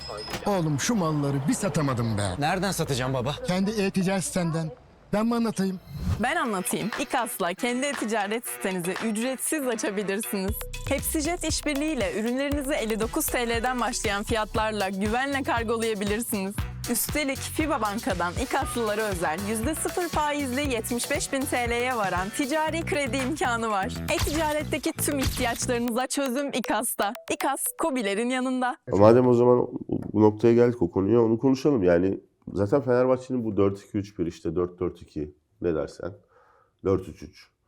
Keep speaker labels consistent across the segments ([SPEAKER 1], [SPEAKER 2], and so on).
[SPEAKER 1] Oğlum şu malları bir satamadım be.
[SPEAKER 2] Nereden satacağım baba?
[SPEAKER 1] Kendi e-ticaret sitenden. Ben mi anlatayım?
[SPEAKER 3] Ben anlatayım. İKAS'la kendi e-ticaret sitenizi ücretsiz açabilirsiniz. Hepsijet işbirliğiyle ürünlerinizi 59 TL'den başlayan fiyatlarla güvenle kargolayabilirsiniz. Üstelik FİBA Banka'dan İKAS'lılara özel %0 faizli 75.000 TL'ye varan ticari kredi imkanı var. E-ticaretteki tüm ihtiyaçlarınıza çözüm İKAS'ta. İKAS, KOBİ'lerin yanında.
[SPEAKER 4] Madem o zaman bu noktaya geldik, o konuya, onu konuşalım. Yani zaten Fenerbahçe'nin bu 4-2-3-1, işte 4-4-2 ne dersen, 4-3-3.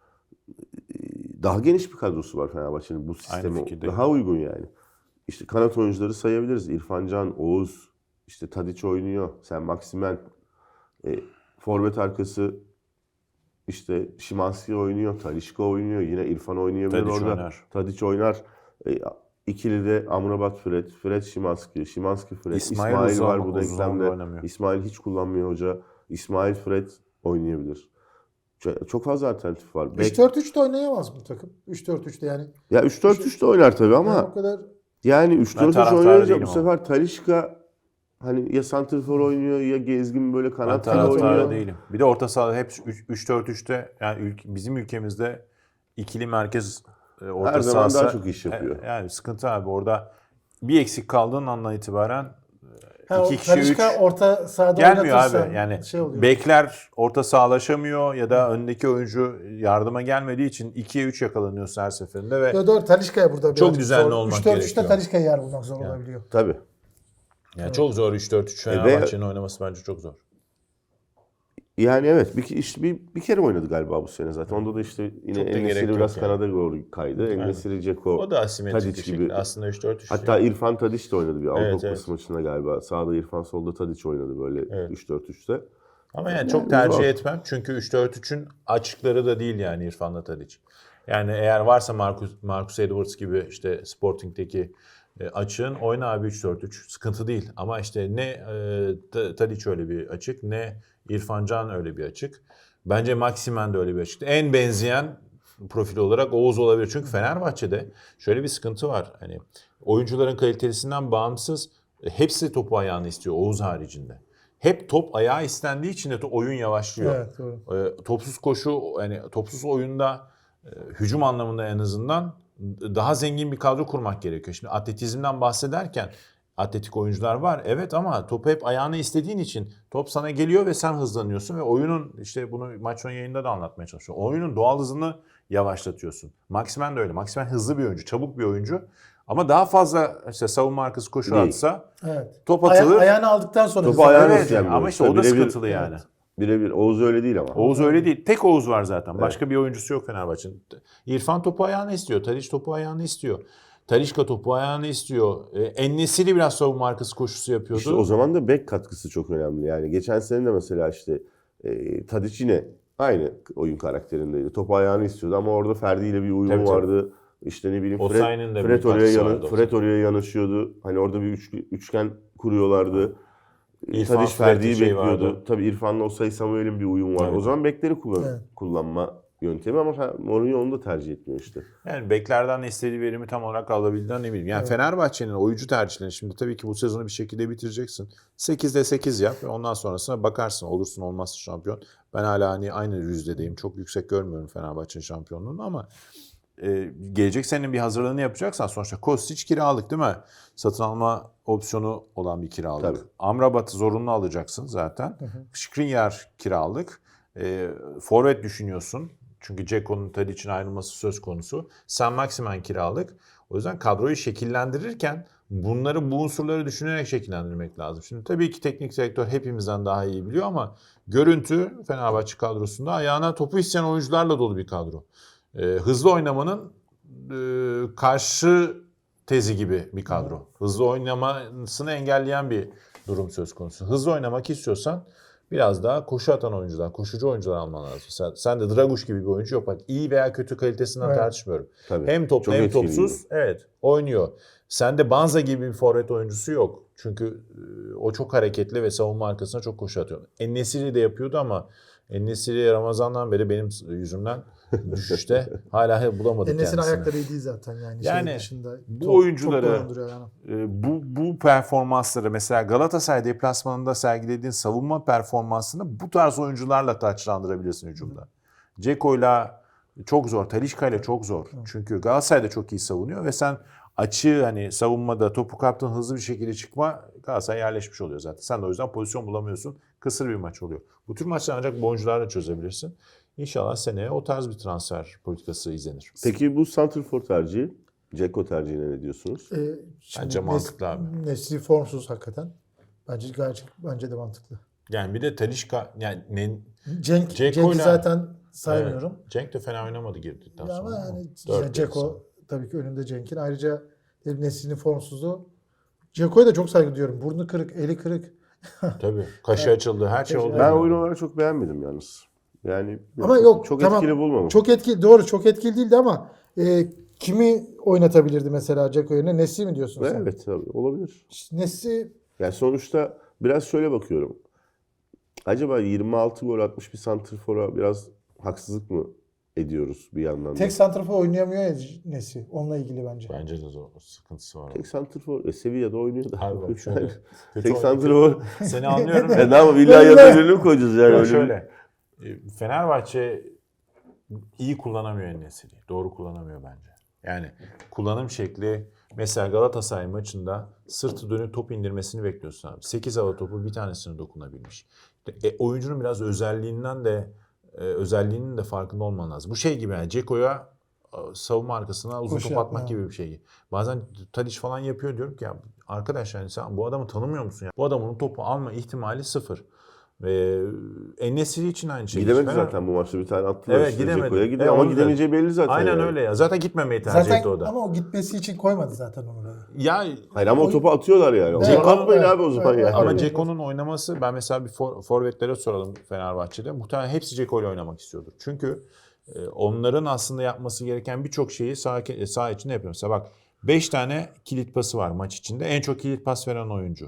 [SPEAKER 4] Daha geniş bir kadrosu var Fenerbahçe'nin, bu sisteme daha uygun yani. İşte kanat oyuncuları sayabiliriz. İrfan Can, Oğuz, işte Tadiç oynuyor, Sen Maximen, forvet arkası işte Szymański oynuyor, Talisca oynuyor, yine İrfan oynayabilir
[SPEAKER 5] Tadiç
[SPEAKER 4] orada.
[SPEAKER 5] oynar.
[SPEAKER 4] Tadiç oynar. İkili de Amrabat Fred, Fred Szymański, Szymański Fred, İsmail var bu denklemde. İsmail hiç kullanmıyor hoca. İsmail Fred oynayabilir. Çok fazla alternatif var.
[SPEAKER 6] 3-4-3 de oynayamaz bu takım. 3-4-3'te yani.
[SPEAKER 4] Ya 3-4-3 de oynar tabii ama
[SPEAKER 6] yani o kadar
[SPEAKER 4] yani 3-4-3
[SPEAKER 5] taraftarı
[SPEAKER 4] oynayınca
[SPEAKER 5] değilim
[SPEAKER 4] bu
[SPEAKER 5] ama.
[SPEAKER 4] sefer Talisca hani ya santrfor oynuyor ya gezgin böyle
[SPEAKER 5] Ben
[SPEAKER 4] kanat
[SPEAKER 5] taraftarı
[SPEAKER 4] oynuyor.
[SPEAKER 5] değilim. Bir de orta sahada hep 3-4-3'te yani bizim ülkemizde ikili merkez orta
[SPEAKER 4] Her zaman
[SPEAKER 5] sahası
[SPEAKER 4] daha çok iş yapıyor.
[SPEAKER 5] Yani sıkıntı abi, orada bir eksik kaldığın andan itibaren
[SPEAKER 6] o
[SPEAKER 5] 2 kişi 3
[SPEAKER 6] Talisca orta sahada
[SPEAKER 5] gelmiyor
[SPEAKER 6] oynatırsa
[SPEAKER 5] abi. Yani
[SPEAKER 6] şey oluyor.
[SPEAKER 5] bekler orta sahalaşamıyor ya da öndeki oyuncu yardıma gelmediği için 2'ye 3 yakalanıyorsun her seferinde ve
[SPEAKER 6] Ya doğru, Talisca'ya burada
[SPEAKER 5] çok
[SPEAKER 6] birazcık
[SPEAKER 5] düzenli
[SPEAKER 6] zor.
[SPEAKER 5] olmak
[SPEAKER 6] 3-4-3'te
[SPEAKER 5] gerekiyor.
[SPEAKER 6] Talisca'ya yer bulmak zor olabiliyor.
[SPEAKER 4] Tabii.
[SPEAKER 5] yani çok zor 3-4-3 Fenerbahçe'nin oynaması bence çok zor.
[SPEAKER 4] Yani evet, bir kere oynadı galiba bu sene zaten. Onda da işte yine
[SPEAKER 5] Çok da gerek
[SPEAKER 4] En-Nesyri
[SPEAKER 5] yok
[SPEAKER 4] biraz
[SPEAKER 5] yani.
[SPEAKER 4] kanada doğru kaydı. En-Nesyri, Dzeko,
[SPEAKER 5] O da asimetrik bir
[SPEAKER 4] Tadic
[SPEAKER 5] şekilde.
[SPEAKER 4] gibi.
[SPEAKER 5] Aslında 3-4-3.
[SPEAKER 4] Hatta İrfan Tadic de oynadı bir Avrupa
[SPEAKER 5] Evet,
[SPEAKER 4] Kupası maçında galiba. Sağda İrfan, solda Tadic oynadı böyle
[SPEAKER 5] Evet.
[SPEAKER 4] 3-4-3'te.
[SPEAKER 5] Ama yani
[SPEAKER 4] Yani
[SPEAKER 5] çok tercih
[SPEAKER 4] zor.
[SPEAKER 5] etmem. Çünkü 3-4-3'ün açıkları da değil yani İrfan'la Tadic. Yani eğer varsa Marcus Edwards gibi işte Sporting'deki açığın, oyna abi 3-4-3. Sıkıntı değil. Ama işte ne Tadic öyle bir açık, ne İrfan Can öyle bir açık. Bence Maximen de öyle bir açık. En benzeyen profil olarak Oğuz olabilir. Çünkü Fenerbahçe'de şöyle bir sıkıntı var. Hani oyuncuların kalitesinden bağımsız hepsi topu ayağını istiyor Oğuz haricinde. Hep top ayağı istendiği için de oyun yavaşlıyor.
[SPEAKER 6] Evet, doğru.
[SPEAKER 5] Topsuz koşu, yani topsuz oyunda hücum anlamında en azından daha zengin bir kadro kurmak gerekiyor. Şimdi atletizmden bahsederken atletik oyuncular var evet, ama topu hep ayağına istediğin için top sana geliyor ve sen hızlanıyorsun ve oyunun, işte bunu maç sonu yayında da anlatmaya çalışıyorum. Oyunun doğal hızını yavaşlatıyorsun. Maximen de öyle. Maximen hızlı bir oyuncu, çabuk bir oyuncu. Ama daha fazla işte savunma arkası koşu
[SPEAKER 4] Değil.
[SPEAKER 5] atsa
[SPEAKER 6] Evet.
[SPEAKER 5] top atılır.
[SPEAKER 6] Ayağını aldıktan sonra
[SPEAKER 4] Topu
[SPEAKER 6] hızlı-
[SPEAKER 4] ayağına
[SPEAKER 5] Evet,
[SPEAKER 4] isteyen bir
[SPEAKER 5] ama
[SPEAKER 4] oyuncu.
[SPEAKER 5] işte o da
[SPEAKER 4] Birebir-
[SPEAKER 5] sıkıntılı yani.
[SPEAKER 4] Birebir. Oğuz öyle değil ama.
[SPEAKER 5] Oğuz öyle değil. Tek Oğuz var zaten. Başka bir oyuncusu yok Fenerbahçe'nin. İrfan topu ayağına istiyor. Tadic topu ayağına istiyor. Talisca topu ayağına istiyor. En-Nesyri biraz savunma arkası koşusu yapıyordu.
[SPEAKER 4] İşte o zaman da bek katkısı çok önemli. Yani geçen sene de mesela işte Tadic yine aynı oyun karakterindeydi. Topu ayağını istiyordu ama orada Ferdi ile bir uyumu
[SPEAKER 5] Tabii, tabii.
[SPEAKER 4] vardı. İşte ne bileyim
[SPEAKER 5] Osayi'nin de
[SPEAKER 4] Fred
[SPEAKER 5] bir katkısı vardı
[SPEAKER 4] Fred oraya yanaşıyordu. Hani orada bir üçgen kuruyorlardı.
[SPEAKER 5] İrfan,
[SPEAKER 4] Tadic
[SPEAKER 5] Fred
[SPEAKER 4] Ferdi'yi
[SPEAKER 5] şey
[SPEAKER 4] bekliyordu.
[SPEAKER 5] vardı.
[SPEAKER 4] Tabii İrfan'la Osayi Samuel'in bir uyumu var.
[SPEAKER 5] Evet.
[SPEAKER 4] O zaman bekleri
[SPEAKER 6] Evet.
[SPEAKER 4] kullanma yöntemi ama Mourinho onu da tercih etmiyor işte.
[SPEAKER 5] Yani beklerden istediği verimi tam olarak alabildiğinden eminim. Yani Fenerbahçe'nin oyuncu tercihlerini, şimdi tabii ki bu sezonu bir şekilde bitireceksin. 8'de 8 yap ve ondan sonrasına bakarsın. Olursun olmazsın şampiyon. Ben hala hani aynı yüzdedeyim. Çok yüksek görmüyorum Fenerbahçe'nin şampiyonluğunu ama gelecek senenin bir hazırlığını yapacaksan, sonuçta Kostić kiralık değil mi? Satın alma opsiyonu olan bir kiralık.
[SPEAKER 4] Tabii.
[SPEAKER 5] Amrabat'ı zorunlu alacaksın zaten. Skriniar kiralık. Forvet düşünüyorsun. Çünkü Dzeko'nun Tadic'in ayrılması söz konusu. Sen Maximen kiralık. O yüzden kadroyu şekillendirirken bu unsurları düşünerek şekillendirmek lazım. Şimdi tabii ki teknik direktör hepimizden daha iyi biliyor ama görüntü Fenerbahçe kadrosunda ayağına topu isteyen oyuncularla dolu bir kadro. Hızlı oynamanın karşı tezi gibi bir kadro. Hızlı oynamasını engelleyen bir durum söz konusu. Hızlı oynamak istiyorsan biraz daha koşu atan oyuncular, koşucu oyuncular alman lazım. Sen de Draguş gibi bir oyuncu yok. Bak, iyi veya kötü kalitesinden
[SPEAKER 6] Evet.
[SPEAKER 5] tartışmıyorum.
[SPEAKER 4] Tabii.
[SPEAKER 5] Hem toplu
[SPEAKER 4] Çok
[SPEAKER 5] hem
[SPEAKER 4] etkili
[SPEAKER 5] topsuz. Evet, oynuyor. Sende Banza gibi bir forvet oyuncusu yok. Çünkü o çok hareketli ve savunma arkasına çok koşu atıyor. En-Nesyri de yapıyordu ama En-Nesyri Ramazan'dan beri benim yüzümden düşüşte. Hala bulamadık
[SPEAKER 6] Enes'in
[SPEAKER 5] kendisini.
[SPEAKER 6] ayakları iyi değil zaten yani.
[SPEAKER 5] Yani
[SPEAKER 6] şey dışında
[SPEAKER 5] bu oyuncuları
[SPEAKER 6] çok dolandırıyor yani.
[SPEAKER 5] bu performansları mesela Galatasaray deplasmanında sergilediğin savunma performansını bu tarz oyuncularla taçlandırabilirsin hücumda. Ceko'yla çok zor, Talisca'yla çok zor. Çünkü Galatasaray da çok iyi savunuyor ve sen açığı hani savunmada topu kaptığın hızlı bir şekilde çıkma Galatasaray yerleşmiş oluyor zaten. Sen de o yüzden pozisyon bulamıyorsun. Kısır bir maç oluyor. Bu tür maçları ancak bu oyuncularla çözebilirsin. İnşallah seneye o tarz bir transfer politikası izlenir.
[SPEAKER 4] Peki bu santrfor tercihi, Dzeko tercihine ne diyorsunuz?
[SPEAKER 6] Şimdi
[SPEAKER 5] Bence mantıklı abi.
[SPEAKER 6] Nesri formsuz hakikaten. Bence de mantıklı.
[SPEAKER 5] Yani bir de Talisca yani
[SPEAKER 6] Cenk'i
[SPEAKER 5] Ceko'yla-
[SPEAKER 6] zaten saymıyorum.
[SPEAKER 5] Evet, Cenk de fena oynamadı girdikten
[SPEAKER 6] Ya
[SPEAKER 5] sonra.
[SPEAKER 6] ama yani
[SPEAKER 5] Dört
[SPEAKER 6] Dzeko tabii ki önünde Cenk'in. Ayrıca Nesri'nin formsuzluğu. Ceko'ya da çok saygı duyuyorum. Burnu kırık, eli kırık.
[SPEAKER 5] Tabii. Kaşı açıldı. Her şey oldu.
[SPEAKER 4] Ben oyun olarak çok beğenmedim yalnız. Yani
[SPEAKER 6] Ama yok
[SPEAKER 4] çok
[SPEAKER 6] tamam,
[SPEAKER 4] etkili bulmadım.
[SPEAKER 6] Çok etkili, doğru çok etkili değildi ama kimi oynatabilirdi mesela Dzeko yerine? Nesri mi diyorsun sen?
[SPEAKER 4] Evet tabii olabilir.
[SPEAKER 6] Nesri
[SPEAKER 4] Yani sonuçta biraz şöyle bakıyorum. Acaba 26 gol atmış bir santrfora biraz haksızlık mı ediyoruz bir yandan da?
[SPEAKER 6] tek santrafor oynayamıyor ya Nesri. Onunla ilgili bence.
[SPEAKER 5] Bence de zor. Sıkıntısı var.
[SPEAKER 4] Tek santrfor Sevilla'da oynuyor da.
[SPEAKER 5] Abi bak şöyle. kötü
[SPEAKER 4] Tek
[SPEAKER 5] oyun-
[SPEAKER 4] santrfor.
[SPEAKER 5] Seni anlıyorum.
[SPEAKER 4] Ne yapalım illa yanına birini mi koyacağız yani?
[SPEAKER 5] Ya
[SPEAKER 4] Öyle
[SPEAKER 5] şöyle. Fenerbahçe iyi kullanamıyor En-Nesyri'yi. Doğru kullanamıyor bence. Yani kullanım şekli mesela Galatasaray maçında sırtı dönüp top indirmesini bekliyorsun abi. 8 hava topu bir tanesine dokunabilmiş. Oyuncunun biraz özelliğinin de farkında olman lazım. Bu şey gibi yani Ceko'ya savunma arkasına uzun
[SPEAKER 6] Koşu
[SPEAKER 5] top atmak
[SPEAKER 6] yapma.
[SPEAKER 5] gibi bir şey. Bazen Tadic falan yapıyor diyorum ki ya arkadaş yani sen bu adamı tanımıyor musun ya? Bu adamın topu alma ihtimali sıfır. En-Nesyri için aynı şey.
[SPEAKER 4] Gidemedi
[SPEAKER 5] Fener-
[SPEAKER 4] zaten bu maçta bir tane attılar.
[SPEAKER 5] Evet,
[SPEAKER 4] işte
[SPEAKER 5] gidemedi.
[SPEAKER 4] Ceko'ya gidiyor ama
[SPEAKER 5] onu da-
[SPEAKER 4] gidemeyeceği belli zaten.
[SPEAKER 5] Aynen
[SPEAKER 4] yani.
[SPEAKER 5] öyle ya. Zaten gitmemeyi tercih
[SPEAKER 6] Zaten
[SPEAKER 5] etti o da.
[SPEAKER 6] ama o gitmesi için koymadı zaten onu da.
[SPEAKER 5] Ya
[SPEAKER 4] Hayır ama o topu atıyorlar yani. O
[SPEAKER 6] Evet,
[SPEAKER 4] zaman atmayın
[SPEAKER 6] evet,
[SPEAKER 4] abi o zaman
[SPEAKER 6] evet,
[SPEAKER 4] yani.
[SPEAKER 5] ama
[SPEAKER 6] Evet.
[SPEAKER 5] Ceko'nun oynaması ben mesela bir forvetlere soralım Fenerbahçe'de. Muhtemelen hepsi Ceko ile oynamak istiyordur. Çünkü onların aslında yapması gereken birçok şeyi saha içinde yapıyor. Mesela bak 5 tane kilit pası var maç içinde. En çok kilit pas veren oyuncu.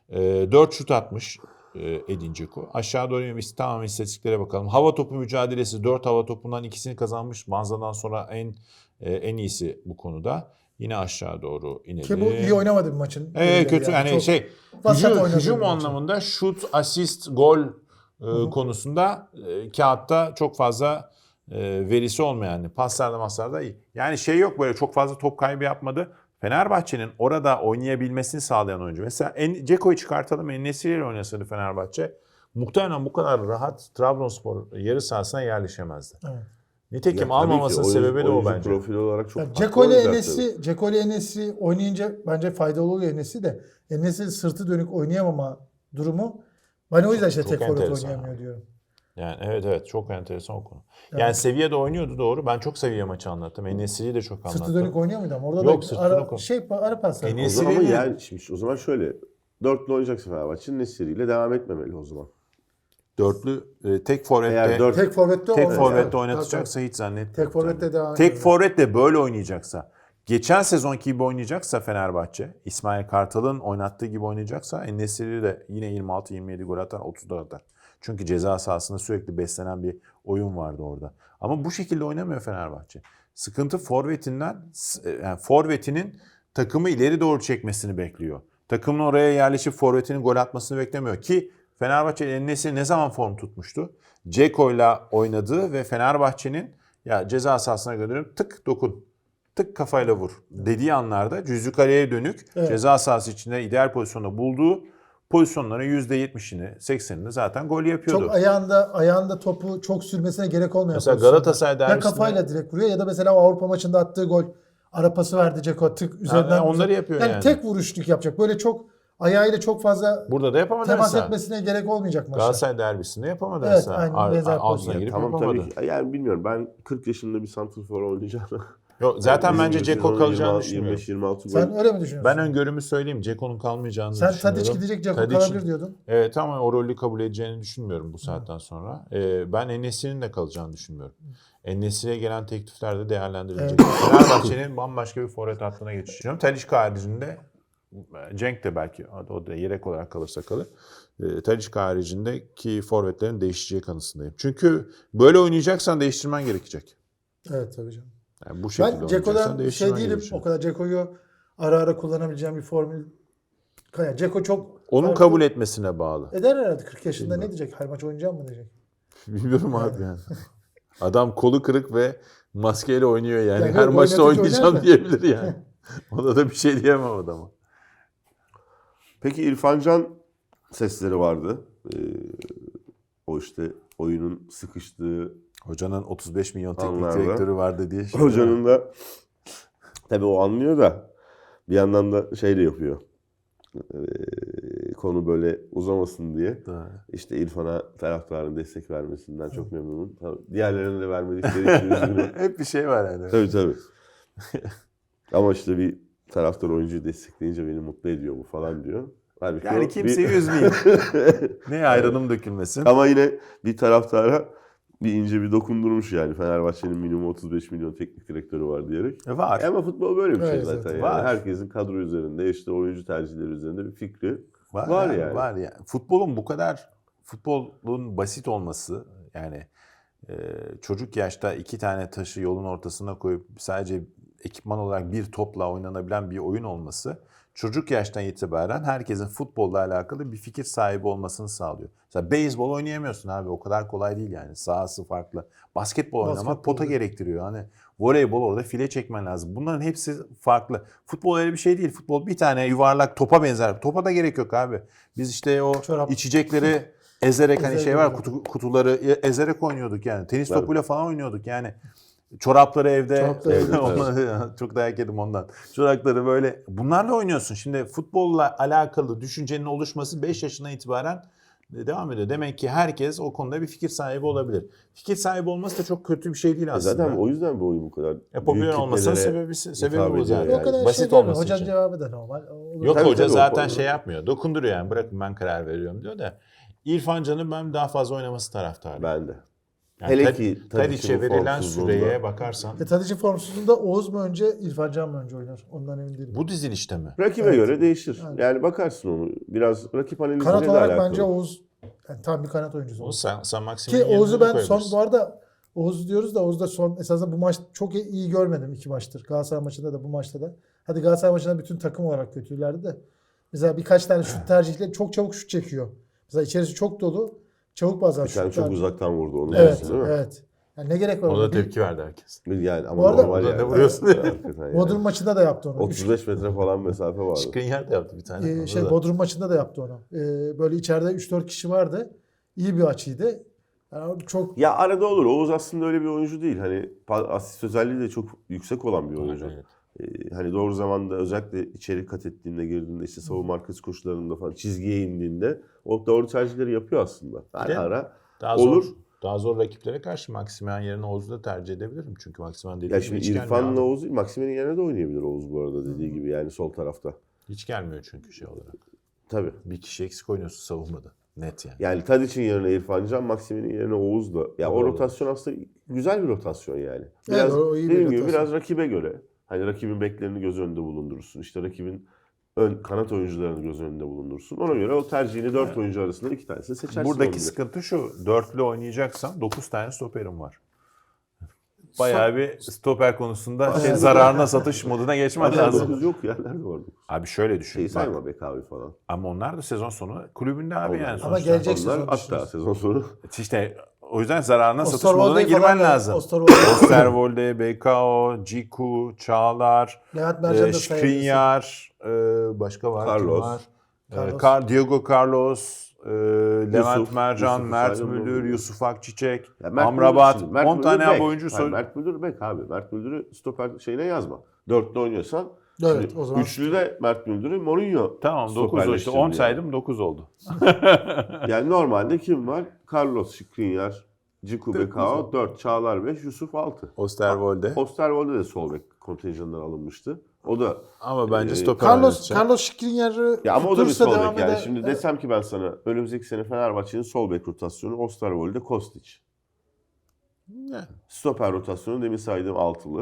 [SPEAKER 5] 4 şut atmış Edin Dzeko. Aşağı doğru tamamen istatistiklere bakalım. Hava topu mücadelesi 4 hava topundan ikisini kazanmış. Banza'dan sonra en iyisi bu konuda. Yine aşağı doğru inelim.
[SPEAKER 6] Ki bu iyi oynamadı bir maçın.
[SPEAKER 5] Kötü yani
[SPEAKER 6] Çok vasat oynadı
[SPEAKER 5] hücum
[SPEAKER 6] bir maçı.
[SPEAKER 5] anlamında şut, asist, gol konusunda kağıtta çok fazla verisi olmayan paslarda iyi. Yani şey yok böyle çok fazla top kaybı yapmadı. Fenerbahçe'nin orada oynayabilmesini sağlayan oyuncu. Mesela Ceko'yu çıkartalım En-Nesyri ile oynasaydı Fenerbahçe muhtemelen bu kadar rahat Trabzonspor yarı sahasına yerleşemezdi.
[SPEAKER 6] Evet.
[SPEAKER 5] Nitekim
[SPEAKER 4] Ya tabii
[SPEAKER 5] almamasının
[SPEAKER 4] ki
[SPEAKER 5] sebebi de o
[SPEAKER 4] oyuncu
[SPEAKER 5] bence.
[SPEAKER 4] profili olarak çok
[SPEAKER 6] Ya
[SPEAKER 4] haklı
[SPEAKER 6] Dzeko ile
[SPEAKER 4] olacaktır.
[SPEAKER 6] En-Nesyri oynayınca bence faydalı oluyor En-Nesyri de. En-Nesyri sırtı dönük oynayamama durumu. Ben o yüzden işte
[SPEAKER 5] Çok
[SPEAKER 6] tek forvet
[SPEAKER 5] enteresan
[SPEAKER 6] oynayamıyor diyorum.
[SPEAKER 5] Yani evet çok enteresan o konu.
[SPEAKER 6] Evet.
[SPEAKER 5] Yani Sevilla'da oynuyordu doğru. Ben çok Sevilla maçı anlattım. En-Nesyri'yi de çok anlattım.
[SPEAKER 6] Sırtı dönük oynuyor muydu ama orada
[SPEAKER 5] Yok,
[SPEAKER 6] da
[SPEAKER 5] sırtı
[SPEAKER 6] ara,
[SPEAKER 5] dönük
[SPEAKER 6] ara paslar.
[SPEAKER 5] En-Nesyri-
[SPEAKER 4] O zaman ama
[SPEAKER 5] Nesiri'yle-
[SPEAKER 4] yani şimdi o zaman şöyle. Dörtlü oynayacaksa Fenerbahçe Nesiri'yle devam etmemeli o zaman.
[SPEAKER 5] Dörtlü tek forvette
[SPEAKER 4] Eğer dört
[SPEAKER 6] Tek forvette
[SPEAKER 5] tek
[SPEAKER 6] olmaz.
[SPEAKER 5] forvette
[SPEAKER 6] Evet,
[SPEAKER 5] oynatacaksa hiç zannetmiyorum.
[SPEAKER 6] Tek forvette devam
[SPEAKER 5] Tek
[SPEAKER 6] ediyor.
[SPEAKER 5] forvetle böyle oynayacaksa, geçen sezonki gibi oynayacaksa Fenerbahçe, İsmail Kartal'ın oynattığı gibi oynayacaksa En-Nesyri de yine 26-27 gol atar, 30 da atar. Çünkü ceza sahasında sürekli beslenen bir oyun vardı orada. Ama bu şekilde oynamıyor Fenerbahçe. Sıkıntı yani forvetinin takımı ileri doğru çekmesini bekliyor. Takımın oraya yerleşip forvetinin gol atmasını beklemiyor ki Fenerbahçe En-Nesyri ne zaman form tutmuştu? Ceko'yla oynadığı ve Fenerbahçe'nin ya ceza sahasına gönderiyorum tık dokun, tık kafayla vur dediği anlarda cüzlü kaleye dönük
[SPEAKER 6] Evet.
[SPEAKER 5] ceza sahası içinde ideal pozisyonda bulduğu pozisyonların %70'ini 80'ini zaten gol yapıyordu.
[SPEAKER 6] Çok ayağında topu çok sürmesine gerek olmayan
[SPEAKER 5] Mesela
[SPEAKER 6] pozisyonda.
[SPEAKER 5] Galatasaray
[SPEAKER 6] Ya
[SPEAKER 5] derbisinde-
[SPEAKER 6] kafayla direkt vuruyor ya da mesela o Avrupa maçında attığı gol ara pası verdi Dzeko tık üzerinden.
[SPEAKER 5] onları yapıyor yani.
[SPEAKER 6] tek vuruşluk yapacak. Böyle çok ayağıyla çok fazla
[SPEAKER 5] Burada da yapamadı
[SPEAKER 6] temas
[SPEAKER 5] mesela.
[SPEAKER 6] etmesine gerek olmayacak maçta.
[SPEAKER 5] Galatasaray derbisinde yapamadı
[SPEAKER 6] Evet,
[SPEAKER 5] mesela.
[SPEAKER 6] aynen, benzer
[SPEAKER 5] Altına
[SPEAKER 6] pozisyon.
[SPEAKER 5] girip
[SPEAKER 4] Tamam
[SPEAKER 5] yapamadı.
[SPEAKER 4] tabii ki. Yani bilmiyorum ben 40 yaşında bir santrfor oynayacağım.
[SPEAKER 5] Yok, zaten
[SPEAKER 4] Bizim
[SPEAKER 5] bence
[SPEAKER 4] gibi
[SPEAKER 5] Dzeko
[SPEAKER 4] sezonun
[SPEAKER 5] kalacağını
[SPEAKER 4] 20
[SPEAKER 5] düşünmüyorum.
[SPEAKER 4] 25-26 gol.
[SPEAKER 6] Sen öyle mi düşünüyorsun?
[SPEAKER 5] Ben öngörümü söyleyeyim. Ceko'nun kalmayacağını
[SPEAKER 6] Sen
[SPEAKER 5] düşünüyorum.
[SPEAKER 6] Tadic gidecek Dzeko
[SPEAKER 5] Tadic'in-
[SPEAKER 6] kalabilir diyordun.
[SPEAKER 5] Evet ama o rolü kabul edeceğini düşünmüyorum bu saatten sonra. Ben En-Nesyri'nin de kalacağını düşünmüyorum. En-Nesyri'ye gelen teklifler de değerlendirilecek. Fenerbahçe'nin bambaşka bir forvet hattına geçişi düşünüyorum. Talisca haricinde Cenk de belki o da yedek olarak kalırsa kalır. Talisca haricindeki forvetlerin değişeceği kanısındayım. Çünkü böyle oynayacaksan değiştirmen gerekecek.
[SPEAKER 6] Evet tabii canım.
[SPEAKER 5] Yani bu şekilde
[SPEAKER 6] Ben
[SPEAKER 5] oynayacaksan
[SPEAKER 6] Ceko'dan
[SPEAKER 5] değiştirmen
[SPEAKER 6] değilim.
[SPEAKER 5] gerekecek.
[SPEAKER 6] O kadar Ceko'yu ara ara kullanabileceğim bir formül. Yani Ceko çok
[SPEAKER 5] Onun
[SPEAKER 6] farklı.
[SPEAKER 5] kabul etmesine bağlı.
[SPEAKER 6] Eder herhalde 40 yaşında ne diyecek? Her maç oynayacağım mı diyecek?
[SPEAKER 5] Bilmiyorum abi yani. Adam kolu kırık ve maskeyle oynuyor yani.
[SPEAKER 6] Yani
[SPEAKER 5] Her
[SPEAKER 6] yok,
[SPEAKER 5] maçta
[SPEAKER 6] oynatınca
[SPEAKER 5] oynayacağım
[SPEAKER 6] oynar da.
[SPEAKER 5] diyebilir yani. Ona da bir şey diyemem adama.
[SPEAKER 4] Peki İrfan Can sesleri vardı. O işte oyunun sıkıştığı
[SPEAKER 5] Hocanın 35 milyon teknik
[SPEAKER 4] Anlarda.
[SPEAKER 5] direktörü vardı diye.
[SPEAKER 4] hocanın da tabii o anlıyor da bir yandan da şey de yapıyor. Konu böyle uzamasın diye. İşte İrfan'a taraftarın destek vermesinden çok memnunum. Tabii diğerlerine de vermedikleri için üzgünüm.
[SPEAKER 5] Hep bir şey var yani.
[SPEAKER 4] Tabii. Ama işte bir taraftar oyuncuyu destekleyince beni mutlu ediyor bu falan diyor. Halbuki
[SPEAKER 5] Yani
[SPEAKER 4] o
[SPEAKER 5] kimseyi üzmeyeyim. Ne ayranım dökülmesin.
[SPEAKER 4] Ama yine bir taraftara bir ince bir dokundurmuş yani. Fenerbahçe'nin minimum 35 milyon teknik direktörü var diyerek.
[SPEAKER 5] Var.
[SPEAKER 4] Ama futbol böyle bir şey
[SPEAKER 6] Evet,
[SPEAKER 4] zaten. Yani.
[SPEAKER 5] var.
[SPEAKER 4] Herkesin kadro üzerinde, işte oyuncu tercihleri üzerinde bir fikri
[SPEAKER 5] Var
[SPEAKER 4] var
[SPEAKER 5] yani.
[SPEAKER 4] yani.
[SPEAKER 5] Var yani. Futbolun basit olması yani çocuk yaşta 2 tane taşı yolun ortasına koyup sadece ekipman olarak bir topla oynanabilen bir oyun olması çocuk yaştan itibaren herkesin futbolla alakalı bir fikir sahibi olmasını sağlıyor. Mesela beyzbol oynayamıyorsun abi, o kadar kolay değil yani, sahası farklı. Basketbol oynamak
[SPEAKER 6] Basketbol,
[SPEAKER 5] pota
[SPEAKER 6] evet.
[SPEAKER 5] gerektiriyor. Hani voleybol orada file çekmen lazım. Bunların hepsi farklı. Futbol öyle bir şey değil. Futbol bir tane yuvarlak topa benzer. Topa da gerek yok abi. Biz işte o
[SPEAKER 6] Çorap.
[SPEAKER 5] içecekleri ezerek hani şey var,
[SPEAKER 6] Ezerek.
[SPEAKER 5] kutuları ezerek oynuyorduk yani. Tenis
[SPEAKER 4] Tabii.
[SPEAKER 5] topuyla falan oynuyorduk yani. Çorapları evde.
[SPEAKER 6] Çorapları evde,
[SPEAKER 5] Çok dayak yedim ondan. Çorapları böyle. Bunlarla oynuyorsun. Şimdi futbolla alakalı düşüncenin oluşması 5 yaşından itibaren devam ediyor. Demek ki herkes o konuda bir fikir sahibi olabilir. Fikir sahibi olması da çok kötü bir şey değil aslında.
[SPEAKER 4] Zaten o yüzden bu oyun bu kadar
[SPEAKER 5] Popüler
[SPEAKER 4] büyük
[SPEAKER 5] olmasının
[SPEAKER 4] kitlelere
[SPEAKER 5] sebebi
[SPEAKER 4] hitap
[SPEAKER 5] bu
[SPEAKER 4] ediyor
[SPEAKER 5] zaten.
[SPEAKER 6] O
[SPEAKER 4] yani.
[SPEAKER 6] kadar
[SPEAKER 5] Basit
[SPEAKER 6] şey değil mi?
[SPEAKER 5] olması
[SPEAKER 6] Hocanın
[SPEAKER 5] için.
[SPEAKER 6] cevabı da normal. Olur.
[SPEAKER 5] Yok
[SPEAKER 4] Tabii,
[SPEAKER 5] hoca
[SPEAKER 4] tabii,
[SPEAKER 5] zaten
[SPEAKER 4] o-
[SPEAKER 5] şey yapmıyor. Dokunduruyor yani. Bırakın ben karar veriyorum diyor da. İrfan Can'ın ben daha fazla oynaması taraftarıyım.
[SPEAKER 4] Ben de.
[SPEAKER 5] Yani
[SPEAKER 4] Hele ki
[SPEAKER 5] Tadic'e
[SPEAKER 4] Tadic'in
[SPEAKER 5] verilen
[SPEAKER 4] formsuzluğunda.
[SPEAKER 5] süreye bakarsan
[SPEAKER 6] Tadic'in formsuzluğunda Oğuz mu önce, İrfan Can mı önce oynar? Ondan emin değilim.
[SPEAKER 5] bu dizilişte mi?
[SPEAKER 4] Rakibe
[SPEAKER 6] Evet.
[SPEAKER 4] göre değişir.
[SPEAKER 6] Yani.
[SPEAKER 4] Yani bakarsın onu. Biraz rakip analiziyle
[SPEAKER 6] Kanat
[SPEAKER 4] de
[SPEAKER 6] olarak
[SPEAKER 4] alakalı.
[SPEAKER 6] bence Oğuz yani tam bir kanat oyuncusu.
[SPEAKER 5] O sen Maximin'in
[SPEAKER 6] Ki
[SPEAKER 5] yerine
[SPEAKER 6] Oğuz'u
[SPEAKER 5] de
[SPEAKER 6] ben son
[SPEAKER 5] koyabilirsin.
[SPEAKER 6] bu arada Oğuz diyoruz da Oğuz'da son esasında bu maç çok iyi görmedim, 2 maçtır. Galatasaray maçında da bu maçta da. Hadi Galatasaray maçında bütün takım olarak kötülerdi de. Mesela birkaç tane şut tercihleri çok çabuk şut çekiyor. Mesela içerisi çok dolu. Çabuk bazen
[SPEAKER 4] Bir tane
[SPEAKER 6] şut
[SPEAKER 4] çok
[SPEAKER 6] tercih.
[SPEAKER 4] uzaktan vurdu onu.
[SPEAKER 6] Evet,
[SPEAKER 4] diyorsun, değil mi?
[SPEAKER 6] evet. Yani ne gerek var?
[SPEAKER 5] Ona
[SPEAKER 6] ona?
[SPEAKER 5] da tepki verdi herkes.
[SPEAKER 4] Yani ama
[SPEAKER 6] Bu arada-
[SPEAKER 4] normal
[SPEAKER 5] Burada
[SPEAKER 4] yani.
[SPEAKER 5] ne vuruyorsun?
[SPEAKER 4] Hakikaten yani.
[SPEAKER 6] Bodrum maçında da yaptı onu.
[SPEAKER 4] 35 metre falan mesafe vardı.
[SPEAKER 5] Skriniar da yaptı bir tane. Onda da.
[SPEAKER 6] Bodrum maçında da yaptı onu. Böyle içeride 3-4 kişi vardı. İyi bir açıydı. Yani çok
[SPEAKER 4] Ya arada olur. Oğuz aslında öyle bir oyuncu değil. Hani asist özelliği de çok yüksek olan bir oyuncu.
[SPEAKER 5] Evet.
[SPEAKER 4] Hani doğru zamanda özellikle içeri kat ettiğinde, girdiğinde, işte savunma arkası koşularında falan çizgiye indiğinde o doğru tercihleri yapıyor aslında.
[SPEAKER 5] de
[SPEAKER 4] Ara
[SPEAKER 5] Daha
[SPEAKER 4] olur.
[SPEAKER 5] Daha zor rakiplere karşı Maximen yerine Oğuz'u da tercih edebilirim. Çünkü Maximen dediği
[SPEAKER 4] Ya
[SPEAKER 5] gibi
[SPEAKER 4] şimdi
[SPEAKER 5] hiç gelmiyor.
[SPEAKER 4] İrfan'la
[SPEAKER 5] abi.
[SPEAKER 4] Oğuz değil, Maximen'in yerine de oynayabilir Oğuz bu arada dediği gibi yani sol tarafta.
[SPEAKER 5] Hiç gelmiyor çünkü şey olarak.
[SPEAKER 4] Tabii.
[SPEAKER 5] Bir kişi eksik oynuyorsun savunmada. Net yani.
[SPEAKER 4] Yani Tadic'in yerine İrfan Can, Maximen'in yerine Oğuz da. Ya o
[SPEAKER 5] Doğru.
[SPEAKER 4] rotasyon aslında güzel bir rotasyon yani. Biraz
[SPEAKER 6] o iyi bir
[SPEAKER 4] dediğim gibi
[SPEAKER 6] rotasyon.
[SPEAKER 4] biraz rakibe göre. Hani rakibin beklerini göz önünde bulundurursun. İşte rakibin kanat oyuncularını göz önünde bulundurursun. Ona göre o tercihini 4 oyuncu arasında 2 tanesini seçersin.
[SPEAKER 5] Buradaki
[SPEAKER 4] olabilir.
[SPEAKER 5] sıkıntı şu. Dörtlü oynayacaksan 9 tane stoperim var. Bayağı bir stoper konusunda
[SPEAKER 6] Evet.
[SPEAKER 5] zararına satış moduna geçmen
[SPEAKER 4] Hatta
[SPEAKER 5] lazım.
[SPEAKER 4] 9 yok ya. Nerede var 9?
[SPEAKER 5] Abi şöyle düşün.
[SPEAKER 4] Şeyi
[SPEAKER 5] bak.
[SPEAKER 4] sayma Bekavi falan.
[SPEAKER 5] Ama onlar da sezon sonu kulübünde abi yani.
[SPEAKER 6] Ama
[SPEAKER 5] sonuçta.
[SPEAKER 6] gelecek
[SPEAKER 4] Onlar
[SPEAKER 6] sezon
[SPEAKER 4] hatta
[SPEAKER 6] düşünürüz.
[SPEAKER 4] sezon sonu.
[SPEAKER 5] İşte o yüzden zararına satış
[SPEAKER 6] Osterwolde'yi
[SPEAKER 5] moduna
[SPEAKER 6] falan
[SPEAKER 5] girmen
[SPEAKER 6] da-
[SPEAKER 5] lazım.
[SPEAKER 6] Osterwolde-
[SPEAKER 5] Osterwolde, BKO, Ciku, Çağlar,
[SPEAKER 6] Levent Mercan da sayabilirsin.
[SPEAKER 5] Skriniar, başka var. Kim
[SPEAKER 4] Carlos.
[SPEAKER 5] var?
[SPEAKER 6] Carlos.
[SPEAKER 5] Diego Carlos, Levent Mercan,
[SPEAKER 4] Yusuf
[SPEAKER 5] Mert
[SPEAKER 4] saydım
[SPEAKER 5] Müldür,
[SPEAKER 4] onu.
[SPEAKER 5] Yusuf Akçiçek,
[SPEAKER 4] Ya Mert
[SPEAKER 5] Amrabat.
[SPEAKER 4] Müldür şimdi, Mert
[SPEAKER 5] 10 tane
[SPEAKER 4] Müldür
[SPEAKER 5] abi
[SPEAKER 4] bek.
[SPEAKER 5] oyuncu
[SPEAKER 4] Hayır, Mert Müldür bek abi. Mert Müldür'ü stoper şeyine yazma. 4'lü oynuyorsan.
[SPEAKER 6] Evet,
[SPEAKER 4] şimdi
[SPEAKER 6] o zaman-
[SPEAKER 4] Üçlü de Mert Müldür'ü Mourinho
[SPEAKER 5] Tamam 9 oldu işte 10
[SPEAKER 4] stoperleştirdi
[SPEAKER 5] saydım 9 oldu.
[SPEAKER 4] Yani normalde kim var? Carlos Skriniar, Ciku
[SPEAKER 5] Dokuz
[SPEAKER 4] Bekao
[SPEAKER 5] oldu.
[SPEAKER 4] 4, Çağlar 5, Yusuf 6.
[SPEAKER 5] Osterwolde.
[SPEAKER 4] Osterwolde de sol bek kontenjanından alınmıştı. O da
[SPEAKER 5] Ama bence
[SPEAKER 4] Ee,
[SPEAKER 5] stoper
[SPEAKER 6] Carlos
[SPEAKER 5] oynatacak.
[SPEAKER 6] Carlos Skriniar'ı
[SPEAKER 4] ya ama o da bir
[SPEAKER 6] tutursa
[SPEAKER 4] sol
[SPEAKER 6] devam
[SPEAKER 4] bek yani.
[SPEAKER 6] eder.
[SPEAKER 4] Şimdi desem ki ben sana önümüzdeki sene Fenerbahçe'nin sol bek rotasyonu Osterwolde, Kostić.
[SPEAKER 5] Yani.
[SPEAKER 4] Stoper rotasyonu demin saydığım altılı.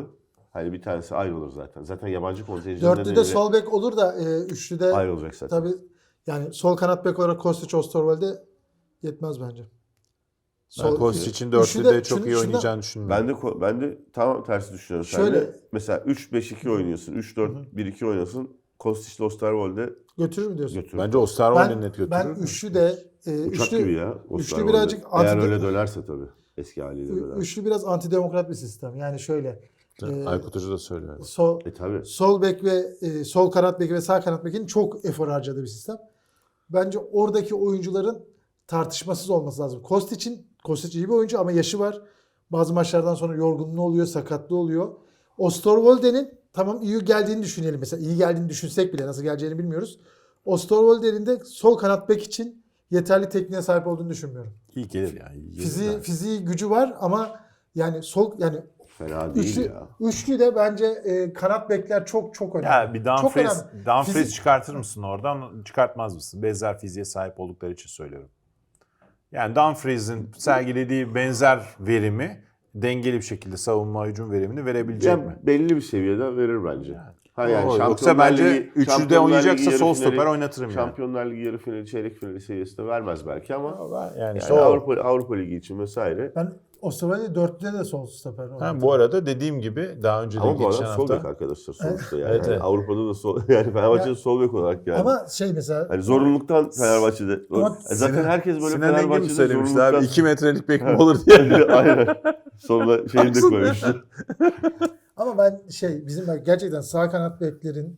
[SPEAKER 4] Hani bir tanesi ayrılır zaten. Zaten yabancı kontenjanı
[SPEAKER 6] Dörtlüde sol bek olur da üçlüde
[SPEAKER 4] ayrılacak zaten.
[SPEAKER 6] tabii yani sol kanat bek olarak Kostić, Osterwolde yetmez bence.
[SPEAKER 5] Ben Kostic'in
[SPEAKER 6] üçlüde-
[SPEAKER 5] dörtlüde çok iyi
[SPEAKER 6] şunu-
[SPEAKER 5] oynayacağını düşünmüyorum.
[SPEAKER 4] Ben de tam tersi düşünüyorum.
[SPEAKER 6] Şöyle-
[SPEAKER 4] Şöyle mesela 3-5-2 oynuyorsun. 3-4-1-2 oynasın. Kostić'le Osterwolde
[SPEAKER 6] götürür mü diyorsun?
[SPEAKER 4] götürür.
[SPEAKER 5] Bence Osterwolde net
[SPEAKER 6] Ben
[SPEAKER 5] götürür.
[SPEAKER 6] üçlü de
[SPEAKER 4] Uçak
[SPEAKER 6] üçlü,
[SPEAKER 4] gibi ya.
[SPEAKER 6] üçlü
[SPEAKER 4] Osterwolde.
[SPEAKER 6] birazcık
[SPEAKER 4] Eğer
[SPEAKER 6] anti-
[SPEAKER 4] öyle dönerse tabii. Eski haliyle döner.
[SPEAKER 6] üçlü biraz antidemokrat bir sistem. Yani şöyle
[SPEAKER 5] Aykut Hoca da söylüyor.
[SPEAKER 4] Tabii.
[SPEAKER 6] sol bek ve sol kanat beki ve sağ kanat bekin çok efor harcadığı bir sistem. Bence oradaki oyuncuların tartışmasız olması lazım. Kostić iyi bir oyuncu ama yaşı var. Bazı maçlardan sonra yorgunluğu oluyor, sakatlığı oluyor. Osterwolde'nin tamam iyi geldiğini düşünelim. Mesela iyi geldiğini düşünsek bile nasıl geleceğini bilmiyoruz. Osterwolde'nin de sol kanat bek için yeterli tekniğe sahip olduğunu düşünmüyorum.
[SPEAKER 5] İyi gelir yani. iyi gelir de.
[SPEAKER 6] Fiziği gücü var ama yani
[SPEAKER 4] Fena değil ya.
[SPEAKER 6] üçlü de bence kanat bekler çok önemli.
[SPEAKER 5] Ya bir
[SPEAKER 6] Çok
[SPEAKER 5] Dumfries,
[SPEAKER 6] önemli.
[SPEAKER 5] Dumfries çıkartır mısın oradan? Çıkartmaz mısın? Benzer fiziğe sahip oldukları için söylüyorum. Yani Dumfries'in sergilediği benzer verimi dengeli bir şekilde savunma hücum verimini verebilecek mi?
[SPEAKER 4] Belli bir seviyede verir bence. Ha yani
[SPEAKER 5] Yoksa bence üçlüde oynayacaksa sol stoper oynatırım yani.
[SPEAKER 4] Şampiyonlar Ligi yarı finali, çeyrek finali seviyesinde vermez belki ama
[SPEAKER 5] Yani
[SPEAKER 4] yani
[SPEAKER 5] işte o.
[SPEAKER 4] Avrupa Ligi için vesaire.
[SPEAKER 6] Ben Osterwolde dörtlüde de sol stoper
[SPEAKER 5] Ha, bu arada dediğim gibi daha önce de
[SPEAKER 4] Ama bu
[SPEAKER 5] geçen
[SPEAKER 4] adam sol bek
[SPEAKER 5] hafta
[SPEAKER 4] arkadaşlar sonuçta yani.
[SPEAKER 5] Evet, evet.
[SPEAKER 4] Avrupa'da da sol yani Fenerbahçe'de sol bek olarak yani.
[SPEAKER 6] Ama mesela
[SPEAKER 4] Hani zorunluluktan Fenerbahçe'de.
[SPEAKER 6] Ama
[SPEAKER 4] Zaten herkes böyle
[SPEAKER 5] Sinan Engin mi
[SPEAKER 4] Fenerbahçe'de
[SPEAKER 5] söylemişti
[SPEAKER 4] zorunluluktan.
[SPEAKER 5] abi 2 metrelik bek mi olur diye.
[SPEAKER 4] Aynen. Sonra şeyini de koymuştu.
[SPEAKER 6] ama ben bizim bak gerçekten sağ kanat beklerin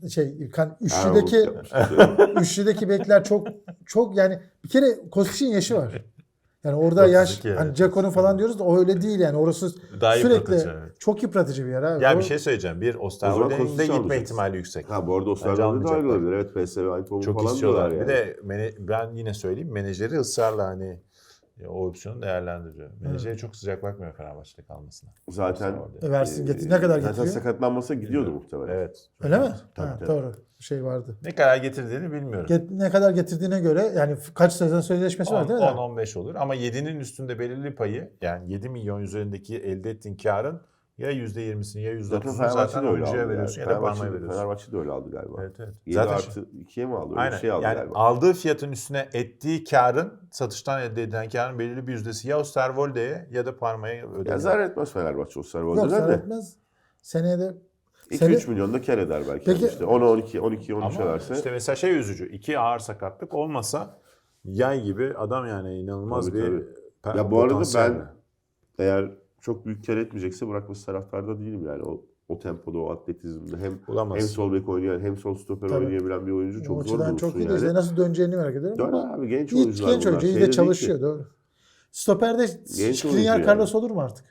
[SPEAKER 6] üçlüdeki bekler çok yani bir kere Kostić'in yaşı var. Yani orada
[SPEAKER 5] 32
[SPEAKER 6] yaş
[SPEAKER 5] evet.
[SPEAKER 6] hani Dzeko'nun falan diyoruz da o öyle değil yani. Orası
[SPEAKER 5] Daha
[SPEAKER 6] sürekli
[SPEAKER 5] yıpratıcı, evet.
[SPEAKER 6] çok yıpratıcı bir yer abi.
[SPEAKER 5] Ya
[SPEAKER 6] O-
[SPEAKER 5] bir şey söyleyeceğim. Bir
[SPEAKER 4] O
[SPEAKER 5] Osterwolde'nin
[SPEAKER 4] zaman
[SPEAKER 5] de
[SPEAKER 4] Kostic'i
[SPEAKER 5] gitme
[SPEAKER 4] alacaksın.
[SPEAKER 5] ihtimali yüksek.
[SPEAKER 4] Ha bu arada
[SPEAKER 5] Bence
[SPEAKER 4] Osterwolde de
[SPEAKER 5] almayacaklar.
[SPEAKER 4] ayrılabilir. Evet PSV Eindhoven
[SPEAKER 5] Çok
[SPEAKER 4] falan
[SPEAKER 5] istiyorlar.
[SPEAKER 4] diyorlar
[SPEAKER 5] Bir
[SPEAKER 4] yani.
[SPEAKER 5] de ben yine söyleyeyim menajeri ısrarla hani o opsiyonu değerlendiriyor. Menajeri çok sıcak bakmıyor Fenerbahçe'de kalmasına.
[SPEAKER 4] Zaten
[SPEAKER 6] versin getir. Ne kadar
[SPEAKER 4] zaten
[SPEAKER 6] getiriyor?
[SPEAKER 4] sakatlanmasa gidiyordu muhtemelen.
[SPEAKER 5] Evet.
[SPEAKER 6] Öyle mi?
[SPEAKER 4] Tabii,
[SPEAKER 6] Ha,
[SPEAKER 4] tabii.
[SPEAKER 6] doğru. Vardı.
[SPEAKER 5] Ne kadar getirdiğini bilmiyorum.
[SPEAKER 6] Ne kadar getirdiğine göre yani kaç sezon sözleşmesi var değil mi?
[SPEAKER 5] 10-15 olur ama 7'nin üstünde belirli payı yani 7 milyon üzerindeki elde ettiğin karın ya %20'sini ya %30'unu
[SPEAKER 4] Zaten
[SPEAKER 5] zaten
[SPEAKER 4] Fenerbahçe de öyle
[SPEAKER 5] oyuncuya
[SPEAKER 4] aldı.
[SPEAKER 5] veriyorsun
[SPEAKER 4] Yani.
[SPEAKER 5] ya da parmaya veriyorsun.
[SPEAKER 4] Fenerbahçe de öyle aldı galiba.
[SPEAKER 5] Evet evet.
[SPEAKER 4] 7
[SPEAKER 5] Zaten
[SPEAKER 4] artı 2'ye mi aldı? Öyle
[SPEAKER 5] aynen.
[SPEAKER 4] bir şey aldı
[SPEAKER 5] Yani
[SPEAKER 4] galiba.
[SPEAKER 5] aldığı fiyatın üstüne ettiği karın satıştan elde edilen karın belirli bir yüzdesi ya Osterwolde'ye ya da Parma'ya
[SPEAKER 4] Ya
[SPEAKER 5] ödeniyor.
[SPEAKER 4] zarar etmez Fenerbahçe o
[SPEAKER 6] Yok
[SPEAKER 4] Osterwolde'den
[SPEAKER 6] zarar
[SPEAKER 4] de.
[SPEAKER 6] etmez. Seneye de
[SPEAKER 4] 2-3 milyon da kar eder belki.
[SPEAKER 6] Peki-
[SPEAKER 4] Yani işte 10-12-13'e
[SPEAKER 5] Ama
[SPEAKER 4] verse.
[SPEAKER 5] işte mesela şey üzücü. 2 ağır sakatlık olmasa yay gibi adam yani inanılmaz
[SPEAKER 4] Tabii,
[SPEAKER 5] bir
[SPEAKER 4] Ya bu arada
[SPEAKER 5] potansiyel.
[SPEAKER 4] ben eğer çok büyük kar etmeyecekse bırakması taraftarda değilim yani. O tempoda, o atletizmde hem
[SPEAKER 5] Bulamaz.
[SPEAKER 4] sol bek oynayan hem sol stoper
[SPEAKER 6] Tabii.
[SPEAKER 4] oynayabilen bir oyuncu
[SPEAKER 6] o
[SPEAKER 4] çok zor
[SPEAKER 6] açıdan çok
[SPEAKER 4] bulursun
[SPEAKER 6] iyi değil.
[SPEAKER 4] yani.
[SPEAKER 6] Nasıl döneceğini merak ediyorum.
[SPEAKER 4] Döner
[SPEAKER 6] ama
[SPEAKER 4] abi genç
[SPEAKER 6] iyi
[SPEAKER 4] oyuncular
[SPEAKER 6] genç
[SPEAKER 4] bunlar.
[SPEAKER 6] oyuncu, iyi
[SPEAKER 4] Şeyde
[SPEAKER 6] de
[SPEAKER 4] değil
[SPEAKER 6] çalışıyor
[SPEAKER 4] ki.
[SPEAKER 6] doğru. Stoperde
[SPEAKER 4] oyuncu
[SPEAKER 6] Skriniar
[SPEAKER 4] yani.
[SPEAKER 6] Carlos olur mu artık?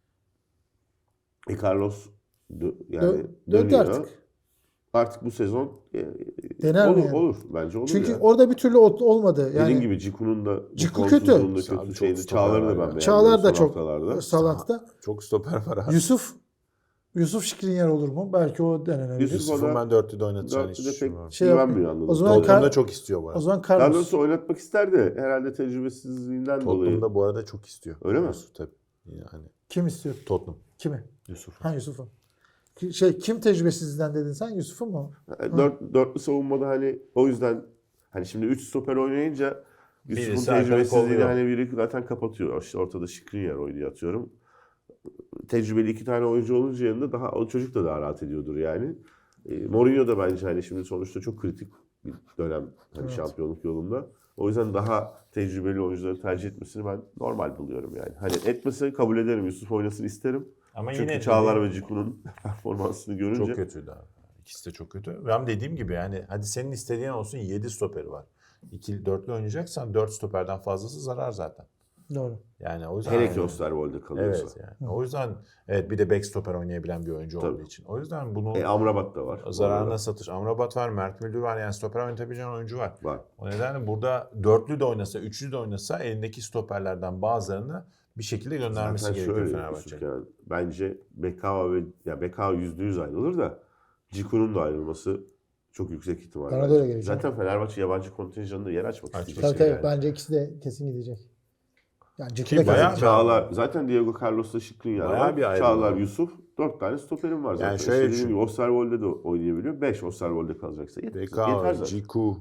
[SPEAKER 4] Carlos yani
[SPEAKER 6] Döndü
[SPEAKER 4] dönüyor.
[SPEAKER 6] artık.
[SPEAKER 4] Artık bu sezon
[SPEAKER 6] Dener mi
[SPEAKER 4] olur,
[SPEAKER 6] yani?
[SPEAKER 4] olur. Bence olur
[SPEAKER 6] Çünkü
[SPEAKER 4] ya.
[SPEAKER 6] orada bir türlü olmadı.
[SPEAKER 4] Dediğin
[SPEAKER 6] Yani
[SPEAKER 4] gibi Ciku'nun da
[SPEAKER 6] Ciku
[SPEAKER 4] formsuzluğunda
[SPEAKER 5] kötü. Abi
[SPEAKER 4] kötü
[SPEAKER 5] çok
[SPEAKER 4] şeydi.
[SPEAKER 5] stoper
[SPEAKER 4] Çağlar'ı
[SPEAKER 5] var
[SPEAKER 4] da
[SPEAKER 5] ya.
[SPEAKER 4] ben beğendim
[SPEAKER 6] Çağlar da
[SPEAKER 4] son
[SPEAKER 6] çok
[SPEAKER 4] haftalarda.
[SPEAKER 6] Salantı'da.
[SPEAKER 5] Çok stoper var abi.
[SPEAKER 6] Yusuf Skriniar olur mu? Belki o denenebilir.
[SPEAKER 4] Yusuf-
[SPEAKER 5] Yusuf'un ben 4'lüde oynatacağını hiç
[SPEAKER 4] Dörtlüde pek
[SPEAKER 5] düşünmüyorum.
[SPEAKER 6] Şey
[SPEAKER 4] güvenmiyor
[SPEAKER 6] yapmıyor.
[SPEAKER 4] anladım.
[SPEAKER 6] O zaman
[SPEAKER 5] Tottenham'da çok istiyor bu
[SPEAKER 6] O
[SPEAKER 5] arada.
[SPEAKER 6] zaman Carlos.
[SPEAKER 4] Carlos'u oynatmak ister de herhalde tecrübesizliğinden dolayı.
[SPEAKER 5] Tottenham'da bu arada çok istiyor.
[SPEAKER 4] Öyle mi?
[SPEAKER 5] Yusuf tabii. Yani
[SPEAKER 6] Kim istiyor?
[SPEAKER 5] Tottenham.
[SPEAKER 6] Kimi?
[SPEAKER 5] Yusuf.
[SPEAKER 6] Ha Yusuf'u. Kim tecrübesizden dedin sen? Yusuf'u mu?
[SPEAKER 4] Dörtlü savunmada hani o yüzden hani şimdi 3 stoper oynayınca Yusuf'un
[SPEAKER 5] Birisi arkada
[SPEAKER 4] tecrübesizliğini
[SPEAKER 5] kolluyor.
[SPEAKER 4] hani biri zaten kapatıyor. İşte ortada Skriniar oynuyor atıyorum. Tecrübeli 2 tane oyuncu olunca yanında daha o çocuk da daha rahat ediyordur yani. Mourinho da bence hani şimdi sonuçta çok kritik bir dönem hani
[SPEAKER 6] Evet.
[SPEAKER 4] şampiyonluk yolunda. O yüzden daha tecrübeli oyuncuları tercih etmesini ben normal buluyorum yani. Hani etmesi kabul ederim. Yusuf oynasın isterim.
[SPEAKER 5] Ama
[SPEAKER 4] Çünkü
[SPEAKER 5] yine
[SPEAKER 4] Çağlar ve Ciku'nun performansını görünce
[SPEAKER 5] çok kötüydü abi. İkisi de çok kötü. Ve dediğim gibi yani hadi senin istediğin olsun 7 stoperi var. 2-4'lü oynayacaksan 4 stoperden fazlası zarar zaten.
[SPEAKER 6] Doğru.
[SPEAKER 5] Yani o yüzden
[SPEAKER 4] hele ki Osterwolde kalıyorsa.
[SPEAKER 5] evet yani. O yüzden evet bir de back stoper oynayabilen bir oyuncu
[SPEAKER 4] Tabii.
[SPEAKER 5] olduğu için. O yüzden bunu
[SPEAKER 4] Amrabat da var.
[SPEAKER 5] zararına satış. Amrabat var, Mert Müldür var. Yani stoper oynatabileceğin oyuncu var.
[SPEAKER 4] Var.
[SPEAKER 5] O nedenle burada 4'lü de oynasa, 3'lü de oynasa elindeki stoperlerden bazılarını bir şekilde göndermesi
[SPEAKER 4] Zaten
[SPEAKER 5] gerekiyor
[SPEAKER 4] şöyle
[SPEAKER 5] Fenerbahçe.
[SPEAKER 4] Yusuf yani, bence Bekao ve ya Bekao %100 ayrılır da Ciku'nun da ayrılması çok yüksek ihtimal.
[SPEAKER 6] Bana da
[SPEAKER 4] bence.
[SPEAKER 6] öyle geliyor.
[SPEAKER 4] Zaten Fenerbahçe yabancı kontenjanında yer açmak
[SPEAKER 5] Açmak
[SPEAKER 4] isteyecek.
[SPEAKER 6] Tabii
[SPEAKER 5] yani.
[SPEAKER 6] bence ikisi de kesin gidecek. Yani
[SPEAKER 5] Ki
[SPEAKER 6] Ciku da
[SPEAKER 5] bayağı-
[SPEAKER 6] kesin.
[SPEAKER 4] Çağlar zaten Diego Carlos'la Skriniar
[SPEAKER 5] Bayağı
[SPEAKER 4] var.
[SPEAKER 5] bir ayrılma
[SPEAKER 4] Çağlar,
[SPEAKER 5] var.
[SPEAKER 4] Yusuf 4 tane stoperim var zaten.
[SPEAKER 5] Yani
[SPEAKER 4] İşte
[SPEAKER 5] şöyle
[SPEAKER 4] dediğim
[SPEAKER 5] düşün.
[SPEAKER 4] gibi Osterwolde de oynayabiliyor. 5 Osterwolde kalacaksa yeter
[SPEAKER 5] BK,
[SPEAKER 4] zaten.
[SPEAKER 5] Ciku,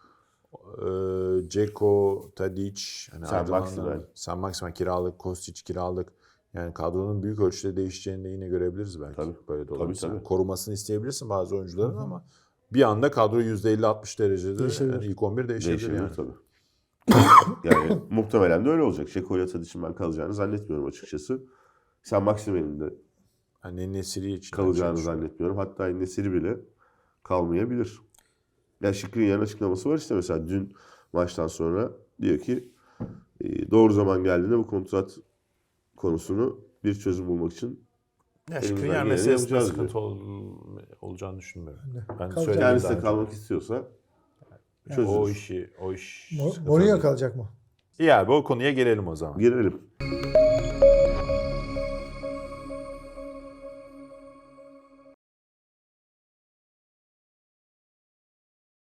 [SPEAKER 5] Ceko, Tadic, hani
[SPEAKER 4] Sen
[SPEAKER 5] ayrılanlar-
[SPEAKER 4] Maximen.
[SPEAKER 5] Sen Maximen kiralık, Kostić kiralık. Yani kadronun büyük ölçüde değişeceğini de yine görebiliriz belki.
[SPEAKER 4] Tabii.
[SPEAKER 5] Böyle dolanırsa.
[SPEAKER 4] Tabii.
[SPEAKER 5] Korumasını isteyebilirsin bazı oyuncuların ama bir anda kadro %50-60 derecede
[SPEAKER 6] Değişebilir.
[SPEAKER 5] yani ilk 11 değişebilir,
[SPEAKER 4] Değişebilir
[SPEAKER 5] yani.
[SPEAKER 4] tabii. Yani muhtemelen de öyle olacak. Şeko ile Tadic'in ben kalacağını zannetmiyorum açıkçası. Sen Maximen'in de
[SPEAKER 5] Hani Nesiri için
[SPEAKER 4] kalacağını zannetmiyorum. Hatta Nesiri bile kalmayabilir. Ya Skriniar'ın açıklaması var işte mesela dün maçtan sonra diyor ki doğru zaman geldiğinde bu kontrat konusunu bir çözüm bulmak için
[SPEAKER 5] Ya
[SPEAKER 4] elimizden
[SPEAKER 5] Skriniar
[SPEAKER 4] geleni
[SPEAKER 5] meselesinde
[SPEAKER 4] yapacağız
[SPEAKER 5] sıkıntı olacağını düşünmüyorum. Ben
[SPEAKER 6] Kalacak.
[SPEAKER 5] söyledim
[SPEAKER 4] kendisi
[SPEAKER 5] daha
[SPEAKER 4] de
[SPEAKER 5] önce.
[SPEAKER 4] kalmak istiyorsa
[SPEAKER 5] O
[SPEAKER 4] çözülür.
[SPEAKER 5] iş
[SPEAKER 6] Mourinho kalacak mı?
[SPEAKER 5] İyi abi o konuya gelelim o zaman.
[SPEAKER 4] Girelim.